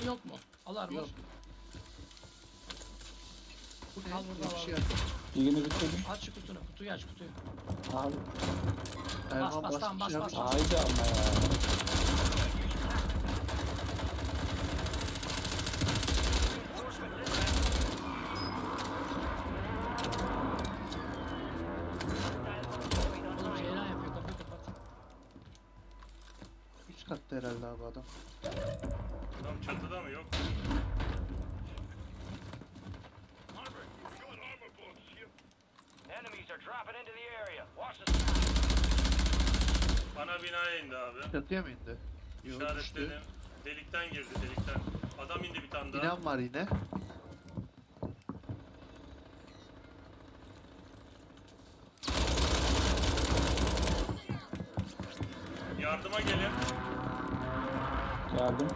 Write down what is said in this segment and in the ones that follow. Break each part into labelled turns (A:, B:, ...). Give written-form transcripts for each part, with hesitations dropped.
A: yok mu? Al armor.
B: Yok. Bu ne?
A: Al burada,
B: Bir
A: al.
B: şey yapıyor.
C: Birini bitirdim.
A: Aç şu kutunu. Kutuyu aç, kutuyu.
C: Abi.
B: Erman
A: bas, tamam, bas,
B: basmış
A: bas.
B: abi.
C: Haydi ama ya.
A: Oğlum Ceylan yapıyor. Kapıyı kapat.
B: Üst katta herhalde abi adam.
D: Adam çatıda mı? Yok.
E: Enemies are dropping into the area. Watch the sky.
D: Ana binaya indi abi.
B: Çatıya mı indi? Yok düştü.
D: İşaretledim. Delikten girdi, delikten. Adam indi bir tane daha.
B: İnan var yine.
D: Yardıma gelin.
C: Geldim.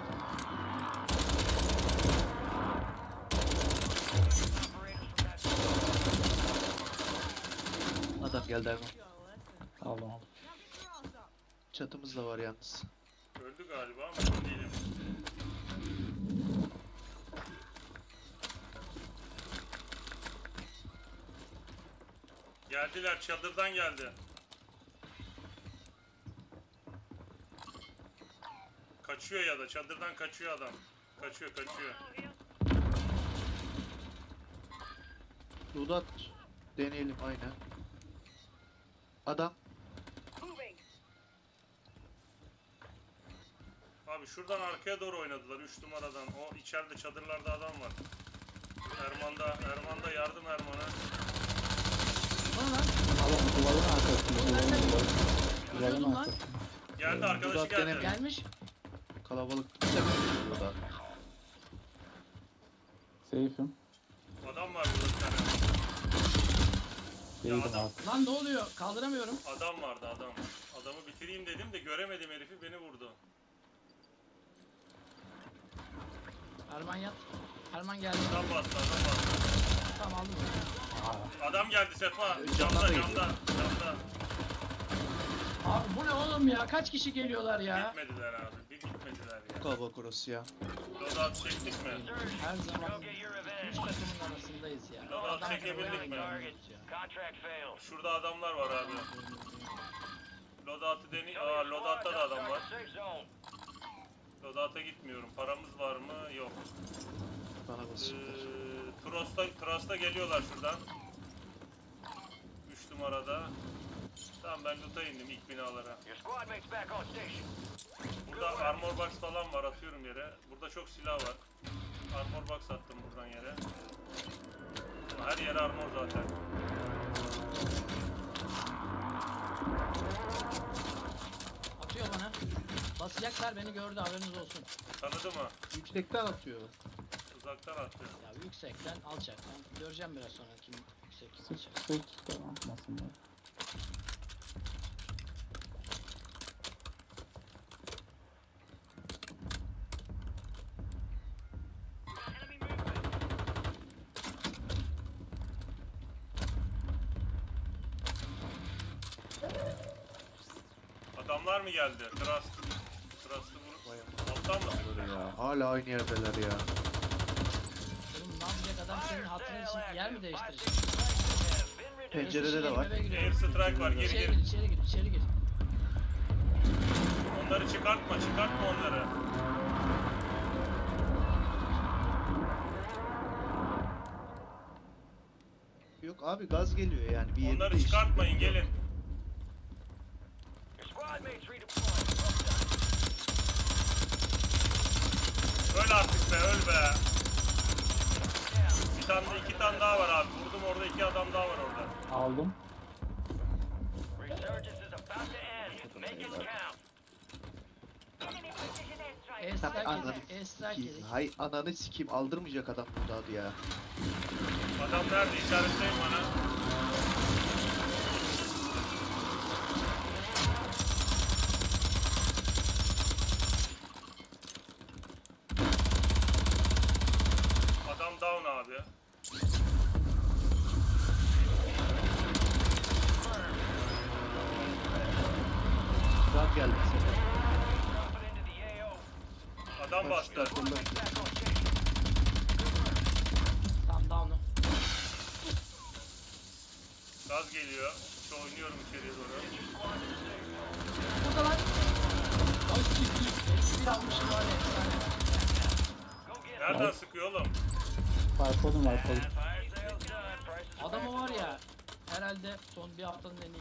B: Adam geldi Erman.
C: Aldım aldım.
B: Çatımız da var yalnız.
D: Öldü galiba ama emin değilim. Geldiler, çadırdan geldi. Kaçıyor ya da çadırdan kaçıyor adam. Kaçıyor.
B: Dudat deneyelim aynen. Adam
D: Abi şuradan arkaya doğru oynadılar 3 numaradan. O içeride çadırlarda adam var. Erman'da yardım Erman'a.
A: Bana lan.
C: Alın duvarın arkasında. Duvarın
A: Öldürdüm lan.
C: arkasında.
D: Geldi arkadaşı
B: Dudat
D: geldi.
B: denemiyor.
A: Gelmiş.
B: kalabalık istemiyor burada.
C: Safe'im.
D: Adam var burada bir tane.
C: Değilim
D: adam.
C: abi.
A: Lan ne oluyor? Kaldıramıyorum.
D: Adam vardı adam. Adamı bitireyim dedim de göremedim herifi beni vurdu.
A: Erman yat. Erman geldi.
D: Adam bastı.
A: Tamam aldım.
D: Adam geldi Sefa.
B: Camdan da
D: Camda.
A: Abi bu ne oğlum ya? Kaç kişi geliyorlar ya?
D: Bitmediler abi. Bitmediler ya.
B: Kalabalık orası ya.
D: Loadout çektik mi?
A: Her zaman
E: Go get your
A: üç
E: revenge.
A: takımın arasındayız ya.
D: Loadout
A: Adam
D: çekebildik
A: buraya
D: mi?
A: geliyoruz ya.
E: Contract failed.
D: Şurada adamlar var abi. Loadout'u deni...
E: Tell me your
D: Loadout'ta da
E: squad's
D: adam var.
E: outside the safe zone.
D: Loadout'a gitmiyorum. Paramız var mı? Yok.
B: Bana basınlar.
D: Trust'a geliyorlar şuradan. 3 numarada. Tamam ben loot'a indim ilk binalara.
E: Your squad mates back on station.
D: Burada armor box falan var atıyorum yere. Burada çok silah var. Armor box attım buradan yere. Her yer armor zaten.
A: Atıyor bana. Basacaklar, beni gördü, haberiniz olsun.
D: Tanıdı mı?
B: Yüksekten atıyor.
D: Uzaktan attı.
A: Ya yüksekten, alçaktan. Göreceğim biraz sonra kim yüksek kim
C: Sık
A: alçak.
C: sık. Tamam. Atmasın ya.
D: Adamlar mı geldi? Trust'ı vurup... Alttan mı?
B: Böyle ya. Hala aynı yerdeler ya.
A: Oğlum ne yapacak adam, senin hatırın için yer mi değiştirecek?
B: Pencerede de var.
A: Eve giriyorum.
D: Air strike var. Gir
A: İçeri
D: gir.
A: gir, içeri gir, içeri gir.
D: Onları çıkartma onları.
B: Yok abi gaz geliyor yani. Bir yeri
D: Onları
B: değiştirmek
D: çıkartmayın
B: yok.
D: gelin.
E: Your squad mates redeployed.
D: Öl artık be öl be. İki tane daha var abi. Vurdum orada 2 adam daha var orada.
C: Aldım.
E: Resurgence is about to end. Make it count.
A: Airstrike
B: Ananı
A: yedik, airstrike
B: sikeyim.
A: yedik.
B: Hay ananı sikeyim aldırmayacak adam burada adı ya.
D: Adam nerede? İşaretleyin bana. Adam down abi.
B: Gaz geldi bu sefer.
E: Dropping into the AO.
D: Adam bastı
B: Solda solda.
E: Back on station.
A: Tamam down'u.
D: Gaz geliyor. Şu oynuyorum içeriye doğru.
A: Burada lan. Ay bir almışım var ya. Yani.
E: Go get 'em.
D: Nereden sıkıyor oğlum?
C: Wipe'ladım.
E: Fire sale's done. Prices are
A: Adamı
E: back
A: var
E: to
A: ya.
E: normal.
A: Herhalde son bir haftanın en iyi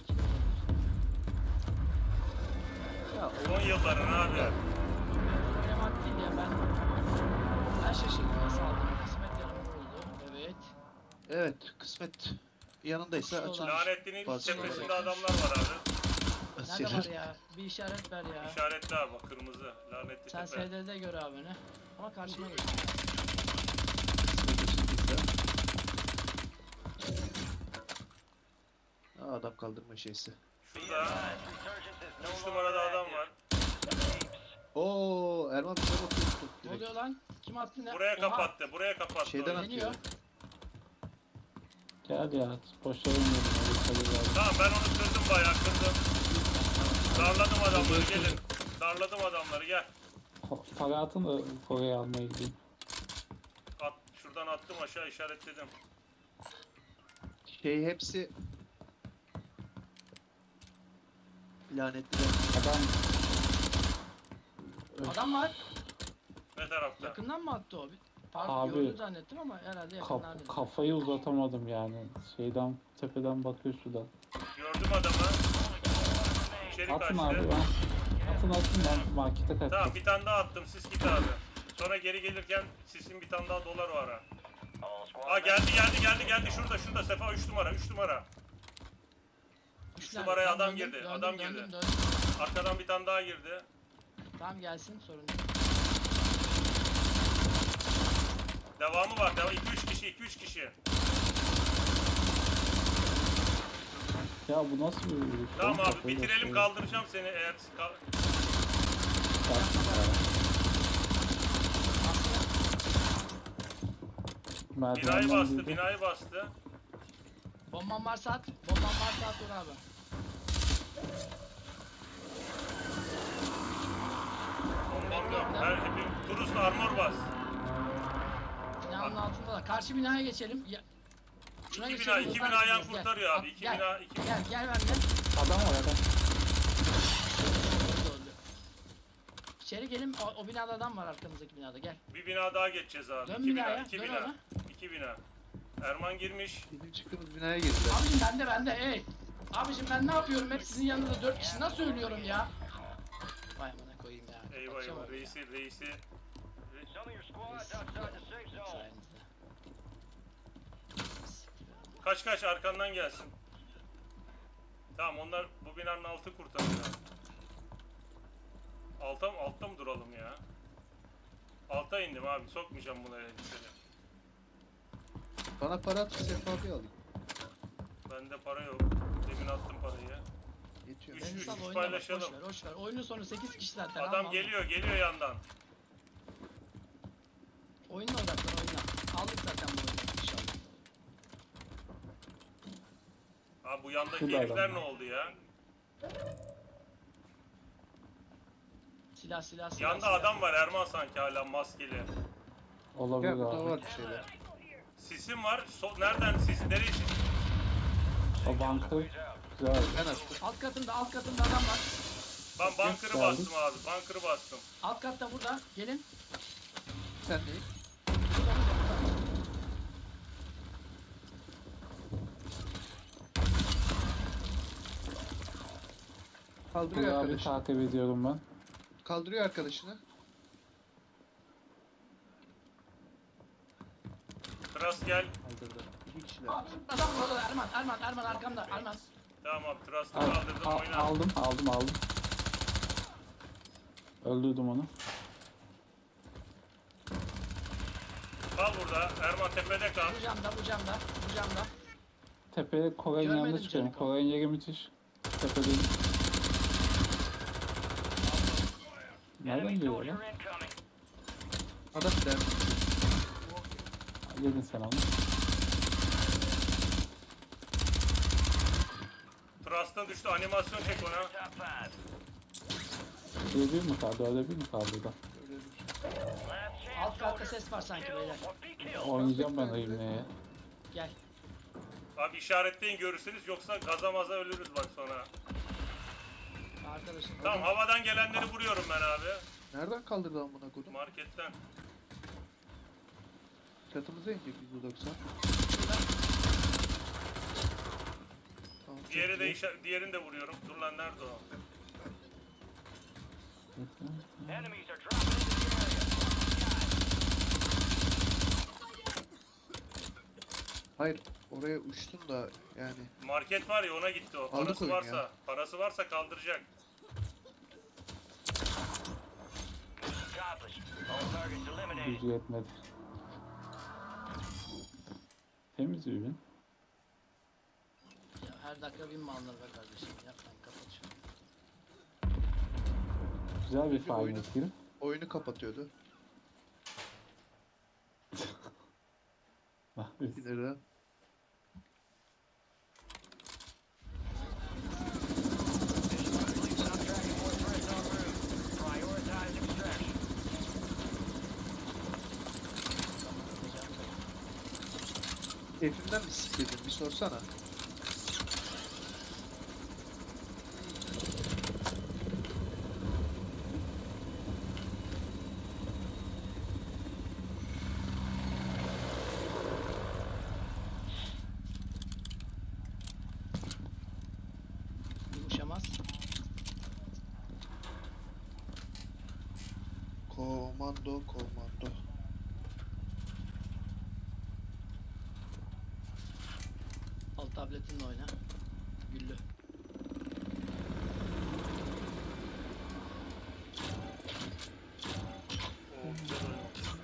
B: Ya
D: Son yılların abi.
A: oynamak değil ya ben şaşırdım nasıl aldım. Kısmet yanımda oldu. Evet.
B: evet kısmet yanındaysa
A: Şu
B: açılır.
D: Lanetli'nin
B: Fazla
D: tepesinde
B: olacak.
D: adamlar var abi.
A: Nerede var ya? Bir işaret ver ya.
D: İşaretli abi bak, kırmızı. Lanetli
A: Sen
D: tepe.
A: SD'de gör abi beni. Ama karşıma geç.
B: Kısmet açıldıysa. Aa, adam kaldırma şeysi.
D: Şurada
E: Resurgence is no
D: 3
E: longer
D: numarada adam
E: active.
D: var.
B: Oo Erman bize bakıyorsun
A: Ne oluyor
B: direkt.
A: lan? Kim attı ne?
D: Buraya
A: Oha!
D: kapattı. Buraya kapattı.
B: Şeyden
D: orayı.
A: Deniyor.
B: atıyor.
C: Gel ya. Boşa inmedim. Öyle geldi.
D: Tamam, ben onu kırdım, bayağı kırdım. Darladım adamları, gelin. Darladım adamları, gel.
C: Para atın da Kore'yi almaya gideyim.
D: Şuradan attım aşağı, işaretledim.
B: Şey hepsi lanetli.
C: Adam
A: Adam var.
D: Ne tarafta?
A: Yakından mı attı o? Pardon
C: Abi,
A: gördü zannettim ama herhalde yakından değil.
C: kafayı uzatamadım yani. Şeyden tepeden bakıyor şuradan.
D: Gördüm adamı. İçeri
C: Atın
D: kaçtı.
C: abi ben. Atın ben markete kaçtım.
D: Tamam, bir tane daha attım, siz git abi. Sonra geri gelirken sisin bir tane daha dolar var ha.
E: All squad
D: Aa, geldi şurada Sefa 3 numara 3 numara. Üç numaraya
A: Tamam,
D: adam
A: döndüm,
D: girdi,
A: döndüm,
D: adam
A: döndüm,
D: girdi.
A: döndüm.
D: Arkadan bir tane daha girdi.
A: Tamam gelsin sorun değil.
D: Devamı var. 2-3 kişi 2-3 kişi.
C: Ya bu nasıl bir vuruş?
D: Tamam
C: Ben
D: abi,
C: kafayı
D: bitirelim,
C: basıyorum.
D: kaldıracağım seni eğer binayı
C: Merdivenden
D: bastı,
C: girdi.
D: binayı bastı.
A: Bomban varsa at. Bomban varsa at onu abi.
D: Bombam yok. Turus'la armor bas.
A: Binanın altında da. Karşı binaya geçelim. Ya, şuna
D: İki
A: geçelim,
D: bina, iki
A: hızlı
D: bina yan
A: hareket edeceğiz.
D: kurtarıyor
A: Gel,
D: abi. İki
A: gel,
D: bina, iki
A: Gel gel benimle.
C: Adam var adam.
A: Öldü. İçeri gelin. O binada adam var arkamızdaki binada. Gel.
D: Bir bina daha geçeceğiz abi.
A: Dön
D: İki bina,
A: binaya,
D: iki
A: dön
D: bina.
A: ona.
D: İki bina. Erman girmiş.
B: Bizim çıktığımız binaya girdiler.
A: Abicim bende ey. Abicim ben ne yapıyorum? Hep sizin yanınızda 4 kişi nasıl ölüyorum ya? Vay amına koyayım ya.
D: Eyvah
A: Kapatacağım
D: eyvah,
A: onu ya.
D: reisi.
E: Some of your squad's outside the safe zone.
A: Sayenizde.
D: Kaç arkandan gelsin. Tamam, onlar bu binanın altı kurtarıyor. Altta mı duralım ya? Alta indim abi, sokmayacağım buna elbiseli.
B: Bana para at Sefa abi alayım.
D: Bende para yok. Demin attım parayı.
B: Yetiyor.
D: Üç-
A: Ben
D: üç
A: sal oyna bak.
D: paylaşalım.
A: Boş ver. Oyunun sonu 8 kişi zaten.
D: Adam
A: alma.
D: geliyor yandan.
A: Oyunla odaklan oyuna. Aldık zaten bu oyunu inşallah.
D: Abi bu yandaki
C: Şurada
D: herifler
C: adam
D: ne
C: var.
D: oldu ya?
A: Silah.
D: Yanda adam var Erman, sanki hala maskeli.
C: Olabilir
B: Ya burada
C: abi.
B: var bir şeyler.
D: Sisim var. Nereden sis? Nereye sis?
C: O banka güzel.
B: Ben attım.
A: Alt katında adam var.
D: Ben bunker'ı
C: Geldik.
D: bastım abi. Bunker'ı bastım.
A: Alt katta burada. Gelin.
B: Sen değil.
A: Burada.
B: Kaldırıyor
C: Buraya abi
B: arkadaşını.
C: takip ediyorum ben.
B: Kaldırıyor arkadaşını.
D: Trust gel.
B: Kaldırdı. İki kişiler.
A: Aa, adam burada. Erman arkamda. Erman.
D: Tamam abi, Trust'ı
C: Al,
D: kaldırdım, oyna.
C: aldım. Öldürdüm onu.
D: Kal burada. Erman tepede kal.
A: Bu camda.
C: Tepeye Kore'nin
A: Görmedim
C: yanına çıkıyorum.
A: Jericho.
C: Kore'nin yeri müthiş. Tepedeyim. Nereden
E: Enemy
C: geliyor
E: soldier
C: lan?
E: incoming.
B: Adam der.
C: Yedin sen onu.
D: Trust'ın düştü. Animasyon çek ona.
E: Top 5.
C: Bir mi kaldı? Öyle bir mi kaldı da?
B: Öyle bir şey.
E: Last
A: tarafta ses var sanki beyler.
C: Oynayacağım ben ayımaya.
A: Gel.
D: Abi işaretleyin görürsünüz yoksa gaza maza ölürüz bak sonra.
A: Arkadaşım.
D: Tamam havadan gelenleri vuruyorum ben abi.
B: Nereden kaldırdı amına kodum?
D: Marketten.
B: Çatımıza inecek %90. Tamam, çok
D: Diğeri de
B: iyi.
D: diğerini de vuruyorum. Dur lan nerede o?
E: Enemies are dropping into the area.
B: Hayır, oraya uçtun da yani.
D: Market var ya ona gitti o.
B: Aldık
D: Parası
B: oyunu
D: varsa,
B: ya.
D: parası varsa kaldıracak.
E: Accomplished. All targets eliminated.
C: Gücü yetmedi. Temiz ürün.
A: Ya her dakika bin mallar be kardeşim. Yapmayın, kapat şunu.
C: Güzel bir
B: Bir oyunu-
C: final kill.
B: Oyunu kapatıyordu. Bir lira.
E: Stop tracking more threats en route. Prioritize extraction.
B: Keyfimden mi sikledin? Bir sorsana.
A: Yumuşamaz.
B: Komando, komando.
A: Al tabletinle oyna. Güllü.